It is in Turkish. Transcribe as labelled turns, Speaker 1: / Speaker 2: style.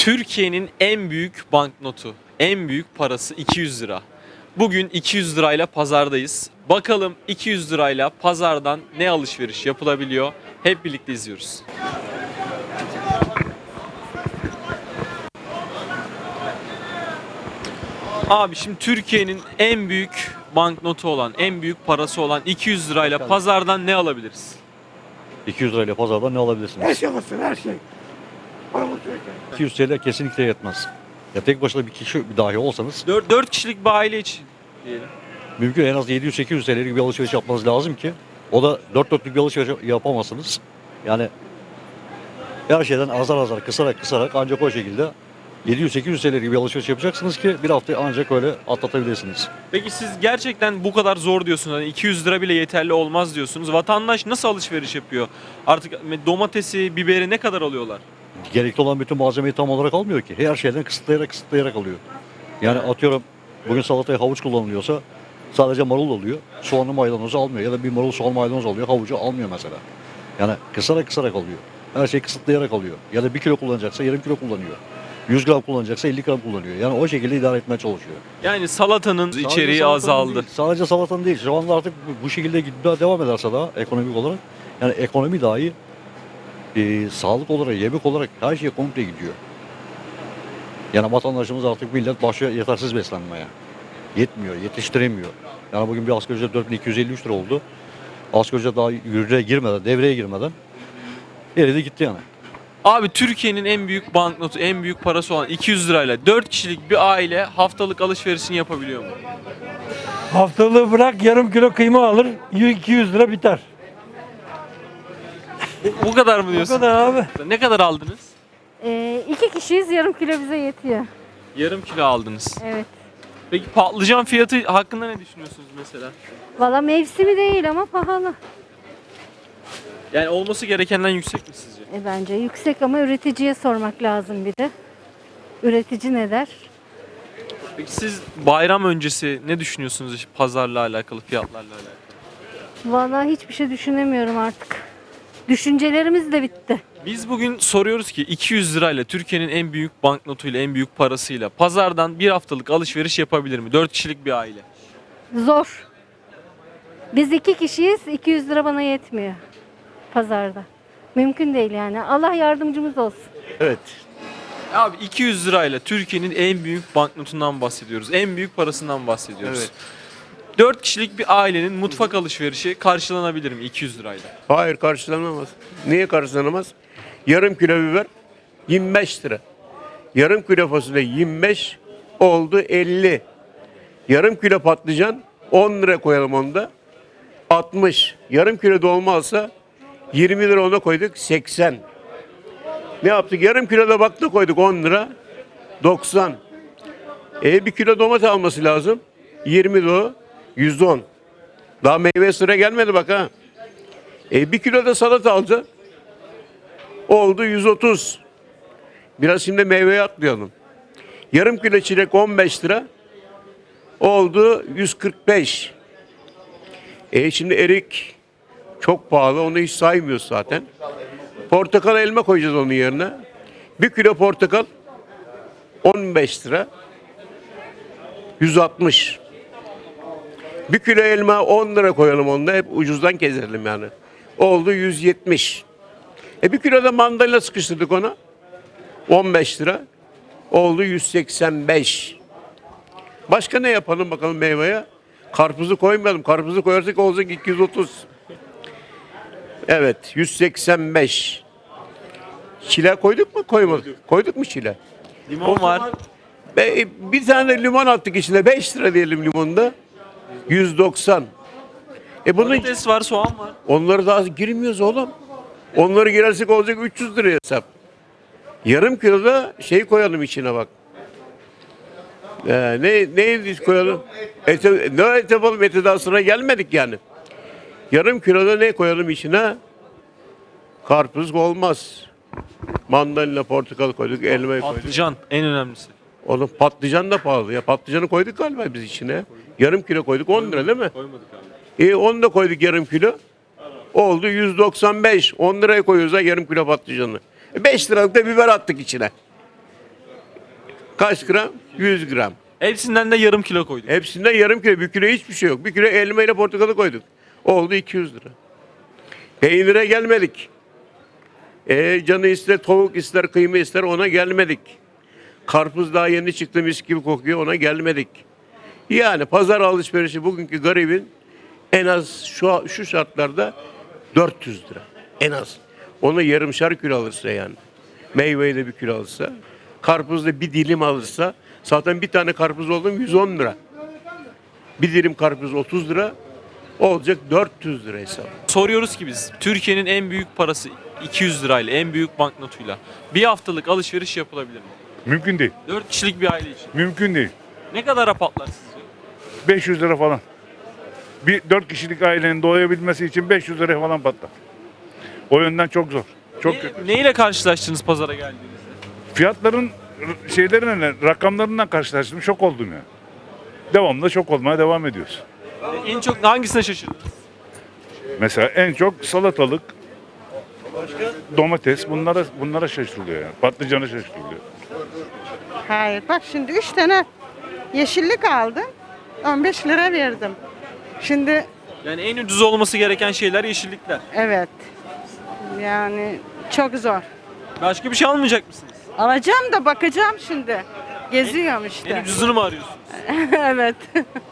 Speaker 1: Türkiye'nin en büyük banknotu, en büyük parası 200 lira. Bugün 200 lirayla pazardayız. Bakalım 200 lirayla pazardan ne alışveriş yapılabiliyor? Hep birlikte izliyoruz. Abi şimdi Türkiye'nin en büyük banknotu olan, en büyük parası olan 200 lirayla pazardan ne alabiliriz?
Speaker 2: 200 lirayla pazardan ne alabilirsiniz?
Speaker 3: Her şey alırsın, her şey. Paramız yok yani.
Speaker 2: 200 TL kesinlikle yetmez. Ya tek başına bir kişi dahi olsanız
Speaker 1: 4 kişilik bir aile için diyelim.
Speaker 2: mümkün en az 700-800 TL'lik bir alışveriş yapmanız lazım ki o da dört dörtlük bir alışveriş yapamazsınız. Yani her şeyden azar azar kısarak ancak o şekilde 700-800 TL'lik bir alışveriş yapacaksınız ki bir hafta ancak öyle atlatabilirsiniz.
Speaker 1: Peki siz gerçekten bu kadar zor diyorsunuz. Hani 200 lira bile yeterli olmaz diyorsunuz. Vatandaş nasıl alışveriş yapıyor? Artık domatesi, biberi ne kadar alıyorlar?
Speaker 2: Gerekli olan bütün malzemeyi tam olarak almıyor ki. Her şeyden kısıtlayarak alıyor. Yani atıyorum bugün salataya havuç kullanılıyorsa sadece marul alıyor. Soğanlı maydanozu almıyor. Ya da bir marul soğan maydanoz alıyor. Havucu almıyor mesela. Yani kısarak alıyor. Her şeyi kısıtlayarak alıyor. Ya da 1 kilo kullanacaksa yarım kilo kullanıyor. 100 gram kullanacaksa 50 gram kullanıyor. Yani o şekilde idare etmeye çalışıyor.
Speaker 1: Yani salatanın
Speaker 2: Sadece
Speaker 1: içeriği
Speaker 2: salatanın
Speaker 1: azaldı.
Speaker 2: değil, sadece salatanın değil. Şu anda artık bu şekilde gitmeye devam ederse daha ekonomik olarak yani ekonomi dahi sağlık olarak, yemek olarak her şey komple gidiyor. Yani vatandaşımız artık millet başlıyor yetersiz beslenmeye. Yetmiyor, yetiştiremiyor. Yani bugün bir asgari ücret 4253 lira oldu. Asgari ücret daha devreye girmeden eridi gitti yani.
Speaker 1: Abi Türkiye'nin en büyük banknotu, en büyük parası olan 200 lirayla 4 kişilik bir aile haftalık alışverişini yapabiliyor mu?
Speaker 3: Haftalığı bırak, yarım kilo kıyma alır, 200 lira biter.
Speaker 1: Bu kadar mı
Speaker 3: O
Speaker 1: diyorsun?
Speaker 3: kadar abi.
Speaker 1: Ne kadar aldınız?
Speaker 4: 2 kişiyiz, yarım kilo bize yetiyor.
Speaker 1: Yarım kilo aldınız.
Speaker 4: Evet.
Speaker 1: Peki patlıcan fiyatı hakkında ne düşünüyorsunuz mesela?
Speaker 4: Valla mevsimi değil ama pahalı.
Speaker 1: Yani olması gerekenden yüksek mi sizce?
Speaker 4: Bence yüksek ama üreticiye sormak lazım bir de. Üretici ne der?
Speaker 1: Peki siz bayram öncesi ne düşünüyorsunuz işte pazarla alakalı, fiyatlarla alakalı?
Speaker 4: Valla hiçbir şey düşünemiyorum artık. Düşüncelerimiz de bitti.
Speaker 1: Biz bugün soruyoruz ki 200 lirayla Türkiye'nin en büyük banknotuyla, en büyük parasıyla pazardan bir haftalık alışveriş yapabilir mi? 4 kişilik bir aile.
Speaker 4: Zor. Biz 2 kişiyiz, 200 lira bana yetmiyor pazarda. Mümkün değil yani. Allah yardımcımız olsun.
Speaker 2: Evet.
Speaker 1: Abi 200 lirayla Türkiye'nin en büyük banknotundan bahsediyoruz. En büyük parasından bahsediyoruz.
Speaker 5: Evet.
Speaker 1: 4 kişilik bir ailenin mutfak alışverişi karşılanabilir mi 200 lirayla?
Speaker 5: Hayır, karşılanamaz. Niye karşılanamaz? Yarım kilo biber 25 lira. Yarım kilo fasulye 25 oldu 50. Yarım kilo patlıcan 10 lira koyalım onda. 60. Yarım kilo dolma alsa 20 lira ona koyduk 80. Ne yaptık? Yarım kilo da bakla koyduk 10 lira 90. 1 kilo domates alması lazım. 20 lira 110. Daha meyve sıra gelmedi bak ha. 1 kilo da salata alacağız. Oldu 130. Biraz şimdi meyveye atlayalım. Yarım kilo çilek 15 lira. Oldu 145. Şimdi erik çok pahalı. Onu hiç saymıyoruz zaten. Portakal, elma koyacağız onun yerine. 1 kilo portakal 15 lira. 160. 1 kilo elma 10 lira koyalım onda. Hep ucuzdan keselim yani. Oldu 170. 1 kilo da mandalina sıkıştırdık ona. 15 lira. Oldu 185. Başka ne yapalım bakalım meyveye? Karpuzu koymayalım. Karpuzu koyarsak olacak 230. Evet, 185. Çile koyduk mu koymadık? Koyduk mu çile?
Speaker 1: Limon
Speaker 5: O
Speaker 1: var.
Speaker 5: zaman bir tane limon attık içine. 5 lira diyelim limonda. 190. Bunun
Speaker 1: Patates var, soğan var.
Speaker 5: onları daha girmiyoruz oğlum. Onları girersek olacak 300 lira hesap. Yarım kilo da şey koyalım içine bak. Ne koyalım? Ne et yapalım? Ete daha sıra gelmedik yani. Yarım kilo da ne koyalım içine? Karpuz olmaz. Mandalina, portakal koyduk, elmayı koyduk.
Speaker 1: Patlıcan en önemlisi.
Speaker 5: Oğlum patlıcan da pahalı ya. Patlıcanı koyduk galiba biz içine. Yarım kilo koyduk 10 lira değil mi?
Speaker 1: Koymadık abi.
Speaker 5: Onu da koyduk yarım kilo. Oldu 195. 10 liraya koyuyoruz ha yarım kilo patlıcanı. 5 liralık da biber attık içine. Kaç gram? 100 gram.
Speaker 1: Hepsinden de yarım kilo koyduk.
Speaker 5: Hepsinden yarım kilo. Bir kilo hiçbir şey yok. Bir kilo elma ile portakalı koyduk. Oldu 200 lira. Peynire gelmedik. Canı ister, tavuk ister, kıyma ister, ona gelmedik. Karpuz daha yeni çıktı, mis gibi kokuyor, ona gelmedik. Yani pazar alışverişi bugünkü garibin en az şu şartlarda 400 lira. En az. Onu yarımşar kilo alırsa yani. Meyveyi de bir kilo alırsa. Karpuzda bir dilim alırsa. Zaten bir tane karpuz oldu mu 110 lira. Bir dilim karpuz 30 lira. Olacak 400 lira hesap.
Speaker 1: Soruyoruz ki biz Türkiye'nin en büyük parası 200 lirayla, en büyük banknotuyla bir haftalık alışveriş yapılabilir mi?
Speaker 6: Mümkün değil.
Speaker 1: 4 kişilik bir aile için.
Speaker 6: Mümkün değil.
Speaker 1: Ne kadara patlar sizce?
Speaker 6: 500 lira falan. Bir 4 kişilik ailenin doyabilmesi için 500 lira falan patlar. O yönden çok zor. Çok kötü.
Speaker 1: Neyle karşılaştınız pazara geldiğinizde?
Speaker 6: Fiyatların şeylerine, rakamlarından karşılaştım. Şok oldum ya. Devamlı şok olmaya devam ediyoruz.
Speaker 1: En çok hangisine şaşırdınız?
Speaker 6: Mesela en çok salatalık, domates bunlara şaşırılıyor yani. Patlıcana şaşırılıyor.
Speaker 7: Hayır bak şimdi 3 tane yeşillik aldım. 15 lira verdim. Şimdi
Speaker 1: Yani en ucuz olması gereken şeyler yeşillikler.
Speaker 7: evet. Yani çok zor.
Speaker 1: Başka bir şey almayacak mısınız?
Speaker 7: Alacağım da bakacağım şimdi. Geziyorum
Speaker 1: En
Speaker 7: işte.
Speaker 1: ucuzunu mu arıyorsunuz?
Speaker 7: Evet.